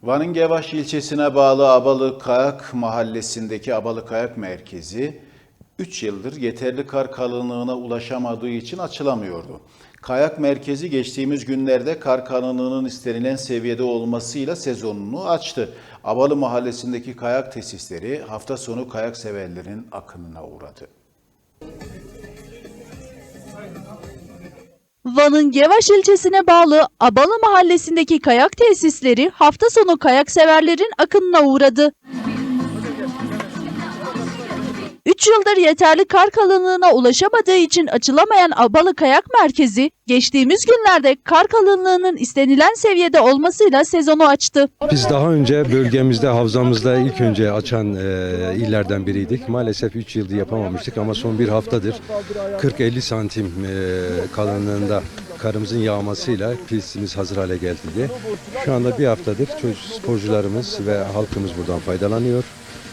Van'ın Gevaş ilçesine bağlı Abalı Kayak mahallesindeki Abalı Kayak Merkezi 3 yıldır yeterli kar kalınlığına ulaşamadığı için açılamıyordu. Kayak merkezi geçtiğimiz günlerde kar kalınlığının istenilen seviyede olmasıyla sezonunu açtı. Abalı mahallesindeki kayak tesisleri hafta sonu kayak severlerin akınına uğradı. Van'ın Gevaş ilçesine bağlı Abalı mahallesindeki kayak tesisleri hafta sonu kayak severlerin akınına uğradı. 3 yıldır yeterli kar kalınlığına ulaşamadığı için açılamayan Abalı Kayak Merkezi, geçtiğimiz günlerde kar kalınlığının istenilen seviyede olmasıyla sezonu açtı. Biz daha önce bölgemizde, havzamızda ilk önce açan illerden biriydik. Maalesef 3 yıldır yapamamıştık ama son bir haftadır 40-50 santim kalınlığında karımızın yağmasıyla pistimiz hazır hale geldi. Şu anda bir haftadır sporcularımız ve halkımız buradan faydalanıyor.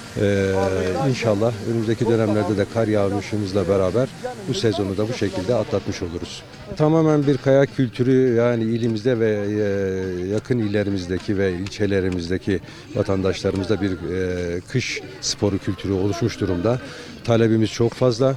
İnşallah önümüzdeki dönemlerde de kar yağışımızla beraber bu sezonu da bu şekilde atlatmış oluruz. Tamamen bir kayak kültürü, yani ilimizde ve yakın illerimizdeki ve ilçelerimizdeki vatandaşlarımızda bir kış sporu kültürü oluşmuş durumda. Talebimiz çok fazla.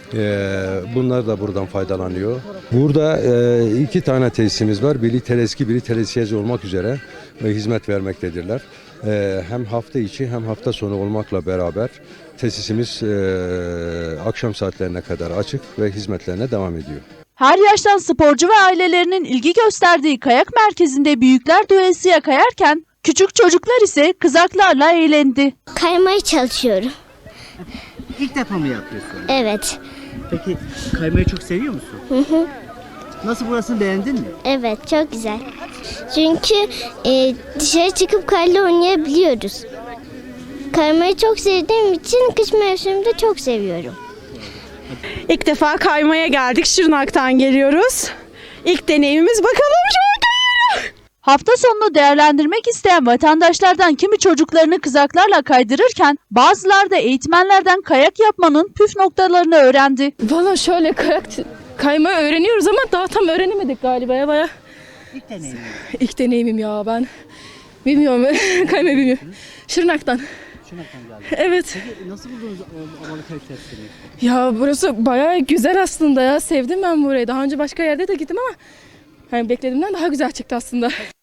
Bunlar da buradan faydalanıyor. Burada 2 tane tesisimiz var. Biri Teleski, biri Teleskiyeci olmak üzere hizmet vermektedirler. Hem hafta içi hem hafta sonu olmakla beraber tesisimiz akşam saatlerine kadar açık ve hizmetlerine devam ediyor. Her yaştan sporcu ve ailelerinin ilgi gösterdiği kayak merkezinde büyükler doyasıya kayarken küçük çocuklar ise kızaklarla eğlendi. Kaymaya çalışıyorum. İlk defa mı yapıyorsun? Evet. Peki kaymayı çok seviyor musun? Nasıl, burasını beğendin mi? Evet, çok güzel. Çünkü dışarı çıkıp karla oynayabiliyoruz. Kaymayı çok sevdiğim için kış mevsiminde çok seviyorum. İlk defa kaymaya geldik. Şırnak'tan geliyoruz. İlk deneyimimiz, bakalım şu an kayıyor. Hafta sonunu değerlendirmek isteyen vatandaşlardan kimi çocuklarını kızaklarla kaydırırken bazıları da eğitmenlerden kayak yapmanın püf noktalarını öğrendi. Valla şöyle kaymayı öğreniyoruz ama daha tam öğrenemedik galiba ya baya. İlk deneyim. İlk deneyimim ya, ben bilmiyorum kaymayı bilmiyorum. Şırnak'tan. Şırnak'tan geldim. Evet. Peki nasıl buldunuz Abalı Kayak Tesisini? Ya burası baya güzel aslında ya, sevdim ben burayı. Daha önce başka yerde de gittim ama hani beklediğimden daha güzel çıktı aslında.